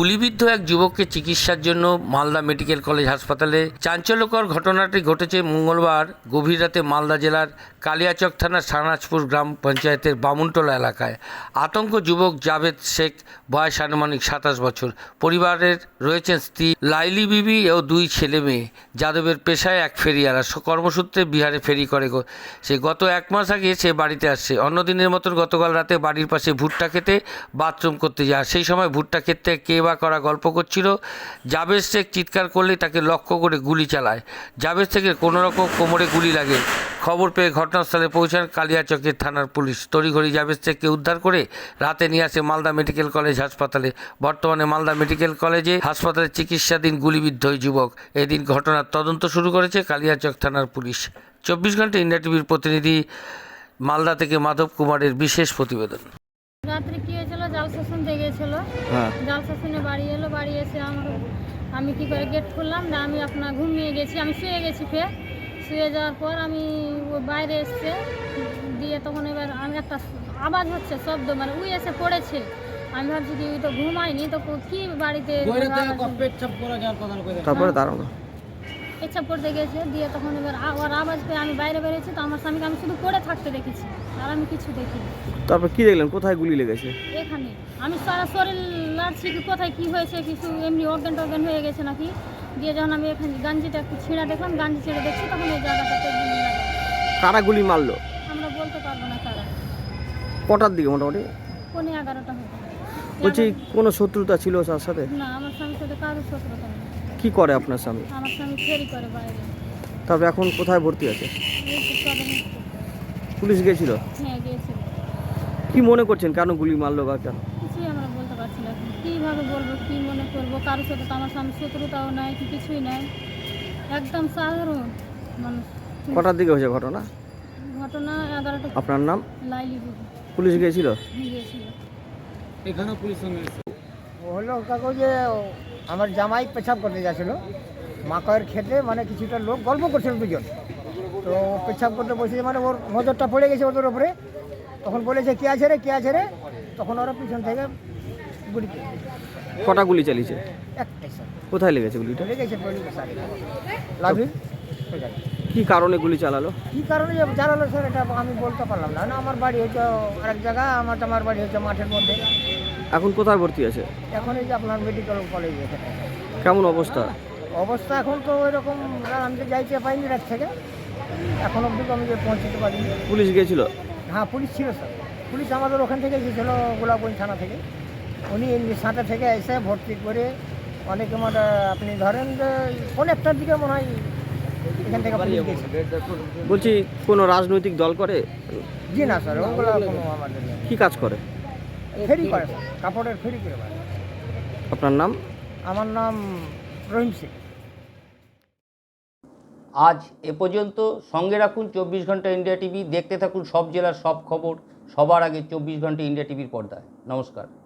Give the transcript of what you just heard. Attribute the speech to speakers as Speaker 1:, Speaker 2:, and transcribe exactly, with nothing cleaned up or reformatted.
Speaker 1: গুলিবিদ্ধ এক যুবককে চিকিৎসার জন্য মালদা মেডিকেল কলেজ হাসপাতালে। চাঞ্চল্যকর ঘটনাটি ঘটেছে মঙ্গলবার গভীর রাতে মালদা জেলার কালিয়াচক থানার সানাজপুর গ্রাম পঞ্চায়েতের বামুনটোলা এলাকায়। আতঙ্ক যুবক জাভেদ শেখ, বয়স আনুমানিক সাতাশ বছর। পরিবারের রয়েছেন স্ত্রী লাইলি বিবি ও দুই ছেলে মেয়ে। যাদবের পেশায় এক ফেরিওয়ালা, কর্মসূত্রে বিহারে ফেরি করে সে। গত এক মাস আগে সে বাড়িতে আসছে। অন্যদিনের মতন গতকাল রাতে বাড়ির পাশে ভুট্টা খেতে বাথরুম করতে যায়। সেই সময় ভুট্টা ক্ষেত্রে কে বা করা গল্প করছিল। জাভেদ শেখ চিৎকার করলে তাকে লক্ষ্য করে গুলি চালায়। জাভেদ শেখের কোনোরকম কোমরে গুলি লাগে। খবর পেয়ে ঘটনাস্থলে পৌঁছান কালিয়াচকের থানার পুলিশ। তড়িঘড়ি জাভেদ শেখকে উদ্ধার করে রাতে নিয়ে আসে মালদা মেডিকেল কলেজ হাসপাতালে। বর্তমানে মালদা মেডিকেল কলেজে হাসপাতালে চিকিৎসাধীন গুলিবিদ্ধ ওই যুবক। এদিন ঘটনার তদন্ত শুরু করেছে কালিয়াচক থানার পুলিশ। চব্বিশ ঘন্টা ইন্ডিয়া টিভির প্রতিনিধি মালদা থেকে মাধব কুমারের বিশেষ প্রতিবেদন।
Speaker 2: রাত্রে কি হয়েছিল, জাল শাসন দিয়ে গেছিলো। জাল শাসনে বাড়ি এলো, বাড়ি এসে আমার আমি কি করে গেট খুললাম না, আমি আপনার ঘুমিয়ে গেছি, আমি শুয়ে গেছি। ফের শুয়ে যাওয়ার পর আমি বাইরে এসছে দিয়ে তখন এবার আমি একটা আওয়াজ হচ্ছে, শব্দ, মানে উই এসে পড়েছে। আমি ভাবছি কি তো ঘুমাইনি, তো কি বাড়িতে
Speaker 3: তারপরে দাঁড়ানো
Speaker 2: ইচ্ছা পড়তে গেছে দিয়ে তখন এবার ওর আওয়াজ পেয়ে আমি বাইরে বেরিয়েছি। তো আমার স্বামীকে আমি শুধু পড়ে থাকতে দেখেছি, আর আমি কিছু দেখিনি।
Speaker 3: তারপর কি দেখলেন, কোথায় গুলি লেগেছে?
Speaker 2: এখানে আমি সারা শরীর লাড়ছি, কি কোথায় কি হয়েছে, কিছু এমনি অজ্ঞান টজ্ঞান হয়ে গেছে নাকি। দিয়ে যখন আমি এখানে গাঞ্জিটা একটু ছিঁড়া দেখলাম, গাঞ্জি ছিঁড়ে দেখছি, তখন এই জায়গাটাতে গুলি লাগে।
Speaker 3: কারা গুলি মারলো
Speaker 2: আমরা বলতে পারবো না কারা।
Speaker 3: কটার দিকে মোটামুটি?
Speaker 2: পৌনে এগারোটা হবে।
Speaker 3: বলছি কোনো শত্রুতা ছিল তার সাথে?
Speaker 2: না, আমার স্বামীর সাথে কারোর শত্রুতা নেই।
Speaker 3: কি করে আপনার স্বামী?
Speaker 2: আমার স্বামী ফেরি করে বাইরে।
Speaker 3: তারপর এখন কোথায় ভর্তি আছে?
Speaker 2: এই তো সদরে।
Speaker 3: পুলিশ গিয়েছিল?
Speaker 2: হ্যাঁ গিয়েছিল।
Speaker 3: কি মনে করছেন কেন গুলি মারলো বা কেন?
Speaker 2: কিছুই আমরা বলতে পারছি না এখন। কীভাবে বলবো, কী মনে করবো? কারোর সাথে তো আমার স্বামী শত্রুতাও নাই, কি কিছুই নাই, একদম সাধারণ মানুষ।
Speaker 3: কটার দিকে হয়েছে ঘটনা?
Speaker 2: ঘটনা এগারোটা।
Speaker 3: আপনার নাম?
Speaker 2: লাইলি বিবি।
Speaker 3: পুলিশ গিয়েছিল?
Speaker 2: গিয়েছিল।
Speaker 3: এখানে পুলিশ
Speaker 4: হলো কাকু যে আমার জামাই পেশাব করতে যাচ্ছিলো মাকয়ের খেতে, মানে কিছুটা লোক গল্প করছিল দুজন। তো পেশাব করতে বসেছে, মানে ওর নজরটা পড়ে গেছে ওদের ওপরে। তখন বলেছে কে আছে রে, কে আছে রে, তখন ওরা পিছন থেকে গুলি।
Speaker 3: কটা গুলি চালিয়েছে?
Speaker 4: একটাই স্যার।
Speaker 3: কোথায় লেগেছে গুলিটা?
Speaker 4: লেগেছে লাভি।
Speaker 3: কি কারণে গুলি চালালো?
Speaker 4: কী কারণে যে জানালো স্যার এটা আমি বলতে পারলাম না। না, আমার বাড়ি হচ্ছে আরেক জায়গা, আমার আমার বাড়ি হচ্ছে মাঠের মধ্যে।
Speaker 3: এখন কোথায় ভর্তি আছে?
Speaker 4: এখন এই যে আপনার মেডিকেল কলেজ এখানে।
Speaker 3: কেমন অবস্থা?
Speaker 4: অবস্থা এখন তো ওই রকম, আমি তো যাইতে পাইনি রাত থেকে, এখন অবধি আমি যে পৌঁছতে পারিনি।
Speaker 3: পুলিশ গিয়েছিল?
Speaker 4: হ্যাঁ পুলিশ ছিল স্যার। পুলিশ আমাদের ওখান থেকে এসেছিল, গোলাপগঞ্জ থানা থেকে। উনি সাথে থেকে এসে ভর্তি করে অনেকে, মানে আপনি ধরেন যে কোন একটার দিকে মনে হয় এখান থেকে পুলিশ গেছে।
Speaker 3: বলছি কোনো রাজনৈতিক দল করে?
Speaker 4: জি না স্যার, ওগুলো কোনো আমাদের নেই।
Speaker 3: কি কাজ করে?
Speaker 4: ফেরি করে স্যার, কাপড়ের ফেরি করে।
Speaker 3: আপনার নাম?
Speaker 4: আমার নাম রহিম সিং।
Speaker 1: আজ এ পর্যন্ত। সঙ্গে রাখুন চব্বিশ ঘন্টা ইন্ডিয়া টিভি। দেখতে থাকুন সব জেলার সব খবর সবার আগে চব্বিশ ঘন্টা ইন্ডিয়া টিভির পর্দায়। নমস্কার।